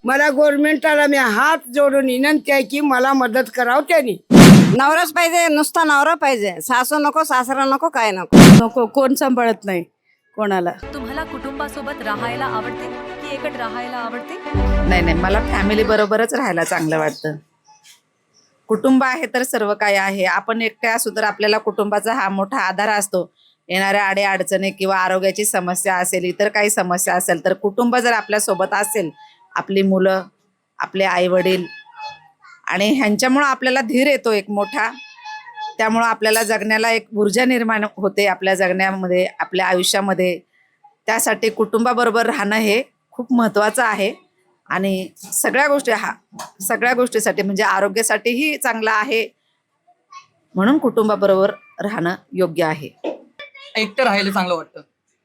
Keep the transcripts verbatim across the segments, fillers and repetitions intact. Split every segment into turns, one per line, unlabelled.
मला गव्हर्नमेंटाला मी हात जोडून विनंती आहे की मला मदत करावं त्यांनी.
नवराच पाहिजे, नुसता नवरा पाहिजे, सासू नको, सासरा नको, काय नको
नको, कोण सांभाळत नाही कोणाला.
तुम्हाला कुटुंबासोबत राहायला आवडते की एकट राहायला आवडते?
नाही नाही, मला फॅमिली बरोबरच राहायला चांगलं वाटतं. कुटुंब आहे तर सर्व काही आहे. आपण एकटे असू तर आपल्याला कुटुंबाचा हा मोठा आधार असतो. येणाऱ्या अडे अडचणी किंवा आरोग्याची समस्या असेल, इतर काही समस्या असेल तर कुटुंब जर आपल्यासोबत असेल, आपली मुलं, आपले आई वडील, आणि ह्यांच्यामुळं आपल्याला धीर येतो एक मोठा. त्यामुळं आपल्याला जगण्याला एक ऊर्जा निर्माण होते आपल्या जगण्यामध्ये, आपल्या आयुष्यामध्ये. त्यासाठी कुटुंबाबरोबर राहणं हे खूप महत्त्वाचं आहे. आणि सगळ्या गोष्टी हा सगळ्या गोष्टीसाठी म्हणजे आरोग्यासाठीही चांगलं आहे. म्हणून कुटुंबाबरोबर राहणं योग्य आहे.
एकटं राहायला चांगलं वाटतं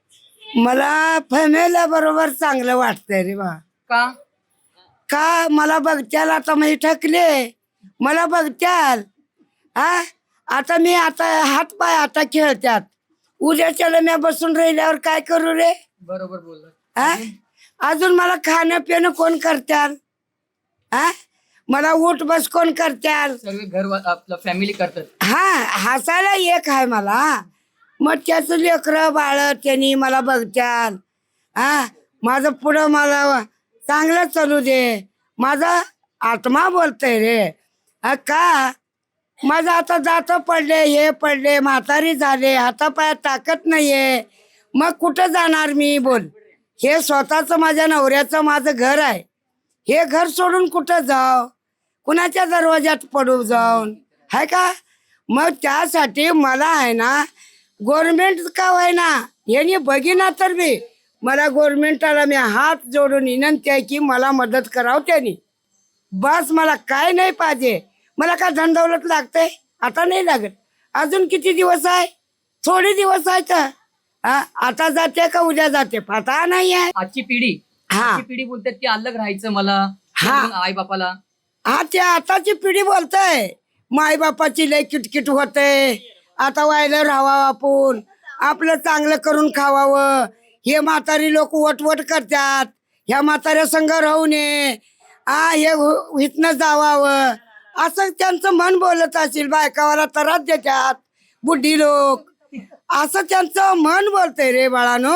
मला फॅमिली बरोबर चांगलं वाटतंय रे बा.
का?
का मला बघत्याल आता मी ठकले, मला बघत्याल हा. आता मी आता हात पाय आता खेळतात, उद्याच्याला मी बसून राहिल्यावर काय करू रे?
बरोबर बोलला.
हा, अजून मला खाणं पिणं कोण करत्याल? हा, मला उठ बस कोण करत्याल?
सर्व घर आपलं फॅमिली करतात.
हा, हसायला एक आहे मला. मग त्याचं लेकरं बाळ त्यांनी मला बघत्याल. हा, माझं पुढं मला चांगलं चालू दे, माझा आत्मा बोलतय रे. हा, का माझं आता दात पडले, हे पडले, म्हातारी झाले, हातापायात ताकद नाहीये, मग कुठं जाणार मी? बोल. हे स्वतःचं माझ्या नवऱ्याचं माझं घर आहे, हे घर सोडून कुठं जाव? कुणाच्या दरवाज्यात पडू जाऊन? आहे का? मग त्यासाठी मला आहे ना गव्हर्नमेंट का होय ना यांनी बघिना तर बी मला गव्हर्नमेंटाला मी हात जोडून विनंती आहे की मला मदत करावं त्यांनी. बस, मला काय नाही पाहिजे. मला काय धनदौलत लागते? आता नाही लागत. अजून किती दिवस आहे? थोडे दिवस आहे तर हा, आता जाते का उद्या जाते पता नाही आहे.
आजची पिढी
हा.
आजची पिढी बोलतात की अलग राहायचं मला
हा.
आई बापाला.
हा, त्या आताची पिढी बोलतय माई बापाची लय किटकिट होते, आता व्हायला राहावं, आपण आपलं चांगलं करून खावावं. हे म्हातारी लोक वटवट करतात, ह्या म्हाताऱ्या संघ राहू नये, हा, हे इथनं जावावं असं त्यांचं मन बोलत असेल. बायकावाला त्रास देतात बुढी लोक, असं त्यांचं मन बोलतंय रे बाळानो.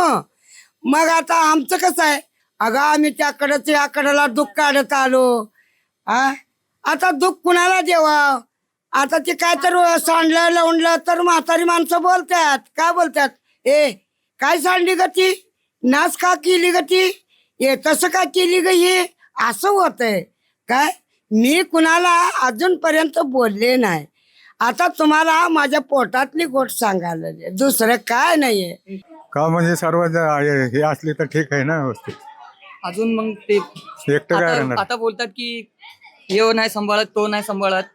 मग आता आमचं कसं आहे, अगं आम्ही त्याकडं याकडला दुःख काढत आलो. हा, आता दुःख कुणाला देवा? आता ते काय तर सांडलं लावणलं तर म्हातारी माणसं बोलतात. काय बोलतात? ए काय सांडली ग ती, नाच का केली ग ती, ए तसं का केली ग हे, असं होतंय. काय मी कुणाला अजूनपर्यंत बोलले नाही. आता तुम्हाला माझ्या पोटातली गोष्ट सांगायला लागली, दुसरं काय नाहीये.
का म्हणजे सर्व ज- आहे- हे असले तर ठीक आहे ना व्यवस्थित.
अजून मग ते
एकटं काय
आता
राहणार?
आता बोलतात की हे नाही सांभाळत, तो नाही सांभाळत.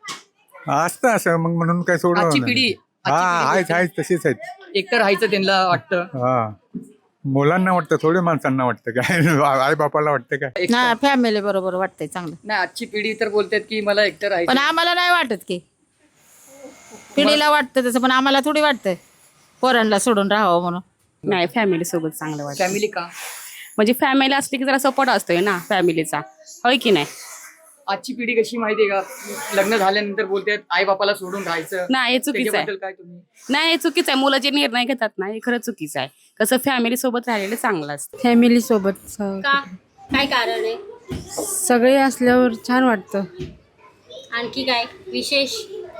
असतं असं मग म्हणून काय सोडून
आजची
होणार
पिढी
नाही.
आजची
हा
पिढी
आहेत
बोलते,
आहेत तशीच आहेत.
एकटं राहायचं त्यांना वाटतं.
हा, मुलांना वाटतं, थोडी माणसांना वाटतं काय आई बापाला वाटतं काय?
एकटं.
ना फॅमिली बरोबर वाटतंय चांगलं,
नाही, आजची पिढी तर बोलतात की मला एकटं
पण
राहायचं.
आम्हाला नाही वाटत की. पिढीला वाटतं तसं, पण आम्हाला थोडी वाटतंय पोरांना सोडून राहावं म्हणून.
नाही, फॅमिली सोबत चांगलं वाटतं.
फॅमिली का?
म्हणजे फॅमिली असली की जरा सपोर्ट असतोय ना फॅमिलीचा, होय की नाही?
आजची पिढी कशी माहितीये का, लग्न झाल्यानंतर बोलतात आई बापाला सोडून राहायचं.
नाही, हे चुकीचं आहे.
त्याच्याबद्दल काय तुम्ही?
नाही, हे चुकीचं आहे. मुलं जे निर्णय घेतात ना, हे खरं चुकीचं आहे. कसं फॅमिली सोबत राहिलेलं चांगलं असतं.
फॅमिली सोबत
का? काय कारण आहे?
सगळे असल्यावर छान वाटतं.
आणखी काय विशेष?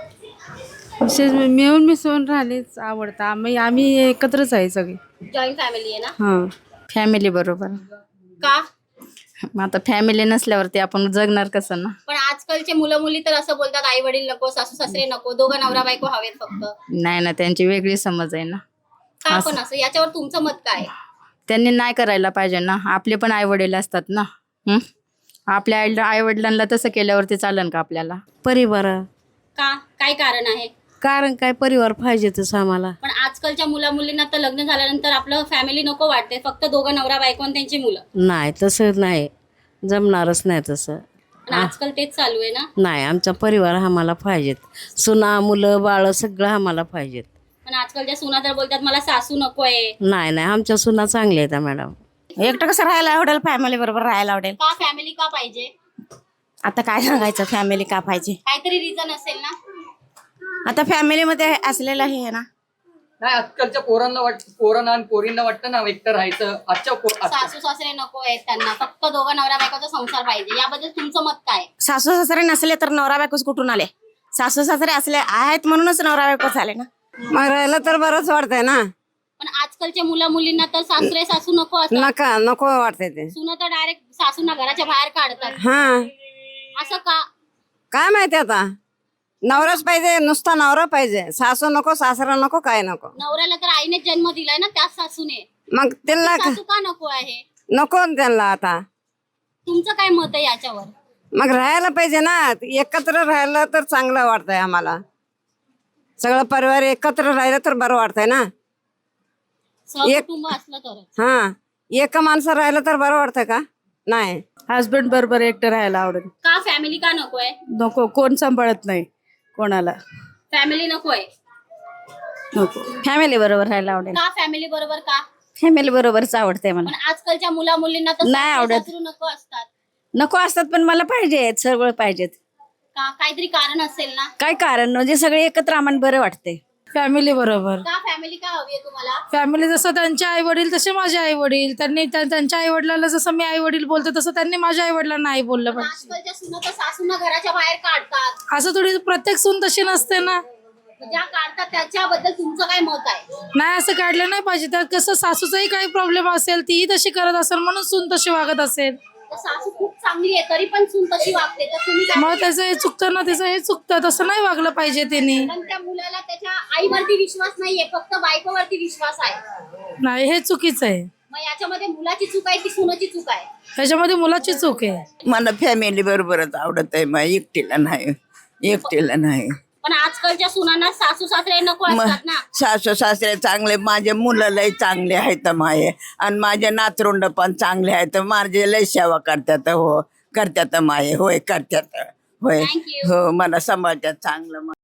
विशेष मिळून मिसळून राहिलेच आवडतं. आम्ही आम्ही एकत्रच आहे सगळे.
जॉईंट फॅमिली आहे ना?
हां,
फॅमिली बरोबर.
का?
मग आता फॅमिली नसल्यावरती आपण जगणार कसं ना?
पण आजकालचे मुलं मुली तर असं बोलतात, आई वडील नको, सासू सासरे नको, दोघं नवरा बायको हवेत फक्त.
नाही ना, त्यांची वेगळी समज आहे ना.
का पण असं? याच्यावर तुमचं मत काय आहे?
त्यांनी नाही करायला पाहिजे ना. आपले पण आई वडील असतात ना. हं? आपल्या आई आई वडिलांना तसं केल्यावरती चालेल का आपल्याला?
परिवार.
का? काय कारण आहे?
कारण काय, परिवार पाहिजेतच आम्हाला.
पण आजकालच्या मुला मुलींना तर लग्न झाल्यानंतर आपलं फॅमिली नको वाटते, फक्त दोघं नवरा बायको आणि त्यांची मुलं.
नाही, तसं नाही, जमणारच नाही तसं.
पण आजकाल तेच चालू आहे ना.
नाही, आमचा परिवार आम्हाला पाहिजेत. सुना मुलं बाळ सगळं आम्हाला पाहिजेत.
पण आजकालच्या सुना तर बोलतात मला सासू नको आहे.
नाही नाही, आमच्या सुना चांगल्या आहेत मॅडम.
एकटं कसं राहायला आवडेल, फॅमिली बरोबर राहायला आवडेल.
का फॅमिली का पाहिजे?
आता काय सांगायचं फॅमिली का पाहिजे.
काहीतरी रिझन असेल ना.
आता फॅमिलीमध्ये असलेलं हे आहे ना.
नाही आजकालच्या पोरांना वाट पोरांना आणि पोरींना वाटतं ना एकटं राहायचं. आजच्या पो- आजच्या-
सासू सासरे नको आहेत त्यांना, फक्त दोघं नवरा बायकोचा संसार पाहिजे. याबद्दल तुमचं मत काय?
सासू सासरे नसले तर नवरा बायकोच कुठून आले. सासू सासरे असले आहेत म्हणूनच नवरा बायकोच आले ना.
मग राहिलं तर बरंच वाटतंय ना.
पण आजकालच्या मुला मुलींना तर सासरे सासू नको असतात.
नका नको वाटतंय ते.
सुना तर डायरेक्ट सासूना घराच्या बाहेर काढतात.
हा
असं का?
काय माहिती आता. नवराच पाहिजे, नुसता नवरा पाहिजे. सासू नको, सासरा नको, काय नको.
नवऱ्याला तर आईने जन्म दिलाय ना, त्याच सासूने.
मग त्यांना
सासू का नको आहे?
नको त्यांना आता.
तुमचं काय मत आहे याच्यावर?
मग राहायला पाहिजे ना. एकत्र राहिलं तर चांगलं वाटतंय आम्हाला. सगळं परिवार एकत्र राहिलं तर बरं वाटतंय ना.
सहकुटुंब असलं तर.
हा एक माणसं राहिलं तर बरं वाटतंय का? नाही.
हस्बंड बरोबर एकटं राहायला आवडेल.
का फॅमिली का नकोय?
नको, कोण सांभाळत नाही कोणाला.
फॅमिली नकोय.
नको.
फॅमिली बरोबर राहायला आवडेल.
का फॅमिली बरोबर का?
फॅमिली बरोबरच आवडते मला.
पण आजकालच्या मुला मुलींना तर
नाही
सासू
आवडत.
सासरू नको असतात.
नको असतात पण मला पाहिजेत, सगळं पाहिजेत.
का काहीतरी कारण असेल ना.
काय कारण म्हणजे सगळे एकत्र आम्हाला बरं वाटते.
फॅमिली बरोबर.
का फॅमिली का हवी आहे तुम्हाला?
फॅमिली जसं त्यांचे आई वडील तसे माझे आई वडील. त्यांनी त्या- त्यांच्या आई वडिलांना जसं मी आई वडील बोलते तसं त्यांनी माझ्या आई वडिलांना आई बोललं
पण
पाहिजे.
आजकालच्या सुना तर सासूना घराच्या बाहेर काढतात.
असं थोडी प्रत्येक सून तशी नसते ना.
ज्या काढतात त्याच्याबद्दल तुमचं काय मत आहे?
नाही असं काढलं नाही पाहिजे. त्यात कसं सासूचाही काही प्रॉब्लेम असेल, तीही तशी करत असेल म्हणून सून तशी वागत असेल.
तर सासू खूप चांगली आहे तरी पण सून तशी वागते, तर तुम्ही काय?
मग त्याचं हे चुकतं ना, त्याचं हे चुकतं. तसं नाही वागलं पाहिजे त्यांनी.
पण त्या मुलाला त्याच्या आईवरती विश्वास नाहीये, फक्त बायकोवरती विश्वास आहे.
नाही, हे चुकीचं आहे.
मग याच्यामध्ये मुलाची चूक आहे की सुनाची चूक आहे?
ह्याच्यामध्ये मुलाची चूक आहे.
मला फॅमिली बरोबरच आवडत आहे. मग एकटीला नाही, एकटीला नाही.
पण आजकालच्या सुनांना सासू सासरे नको असतात ना.
सासू सासरे चांगले, माझे मुलं लय चांगले आहेत माये, आणि माझे नातरुंड पण चांगले आहेत. माझे लय सेवा करतात. हो करतात माये, होय करतात. होय
Thank you.
हो मला सांभाळतात चांगलं.